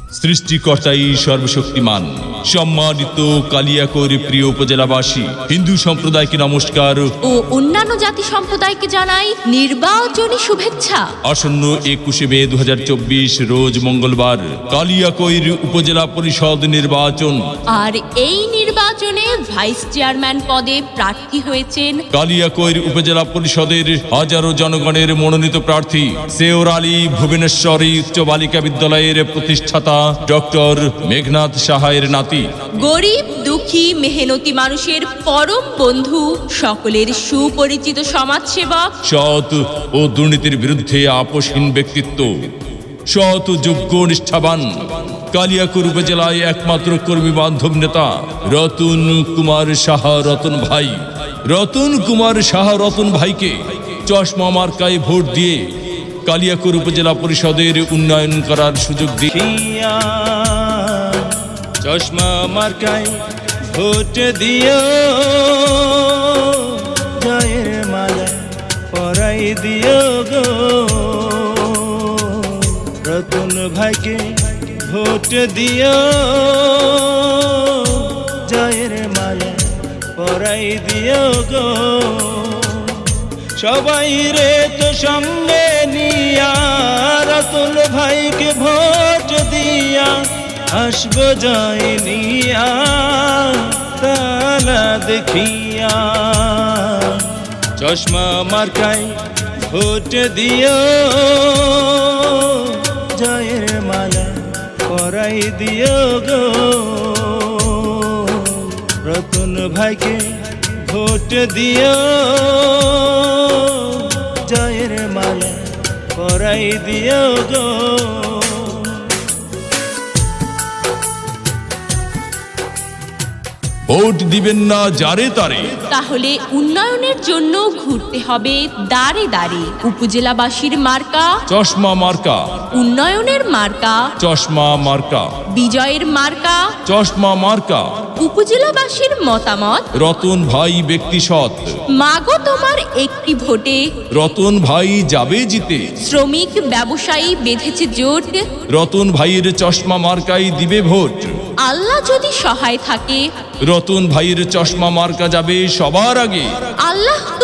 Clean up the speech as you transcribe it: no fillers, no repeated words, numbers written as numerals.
সৃষ্টিকর্তাই সর্বশক্তিমান। সম্মানিত কালিয়াকৈর প্রিয় উপজেলাবাসী, হিন্দু সম্প্রদায়কে নমস্কার ও অন্যান্য জাতি সম্প্রদায়কে জানাই নির্বাচনী শুভেচ্ছা। আসন্ন 21 মে 2024 রোজ মঙ্গলবার কালিয়াকৈর উপজেলা পরিষদ নির্বাচন। আর এই নির্বাচনে ভাইস চেয়ারম্যান পদে প্রার্থী হয়েছেন কালিয়াকৈর উপজেলা পরিষদের হাজারো জনগণের মনোনীত প্রার্থী সেওর আলী ভুবনেশ্বরী উচ্চ বালিকা বিদ্যালয়ের প্রতিষ্ঠাতা ডক্টর মেঘনাথ সাহায়ের নাতি। গরিব দুঃখী মেহনতি মানুষের পরম বন্ধু, সকলের সুপরিচিত সমাজসেবক, সৎ ও দুর্নীতির বিরুদ্ধে আপোষহীন ব্যক্তিত্ব, সৎ ও যোগ্য নিষ্ঠাবান কালিয়াকৈর উপজেলায় একমাত্র কর্মী বান্ধব নেতা রতন কুমার সাহা রতন ভাই। রতন কুমার সাহা রতন ভাইকে চশমা মার্কায় ভোট দিয়ে কালিয়াকৈর উপজেলা পরিষদের উন্নয়ন করার সুযোগ দিয়ে চশমা মার্কায় ভোট দিও, জয়ের মালা পরাই দিও গো। রতন ভাইকে ভোট দিও, জয়ের মালা পরাই দিও গো। সবাই রে তো সঙ্গে নিয়া রতন ভাইকে ভোট দিয়া আসবো জয় নিয়া তালা দেখিয়া। চশমা মার্কায় ভোট দিও, জয়ের মালা পরাই দিও গো। রতন ভাইকে ভোট দিও, জয়ের মালা পরাই দিও গো। ভোট দিবেন না যারে তারে, তাহলে উন্নয়নের জন্য ঘুরতে হবে দাঁড়ে দাঁড়ে। উপজেলাবাসীর মার্কা চশমা মার্কা, উন্নয়নের মার্কা চশমা মার্কা, বিজয়ের মার্কা। চশমা মার্কা। উপজেলাবাসীর মতামত, রতন ভাই ব্যক্তি সৎ, মাগো তোমার একটি ভোটে। রতন ভাই যাবে জিতে, শ্রমিক ব্যবসায়ী বেঁধেছে জোট, রতন ভাইয়ের চশমা মার্কাই দিবে ভোট। আল্লাহ যদি সহায় থাকে, রতন ভাইয়ের চশমা মার্কা যাবে সবার আগে। আল্লাহ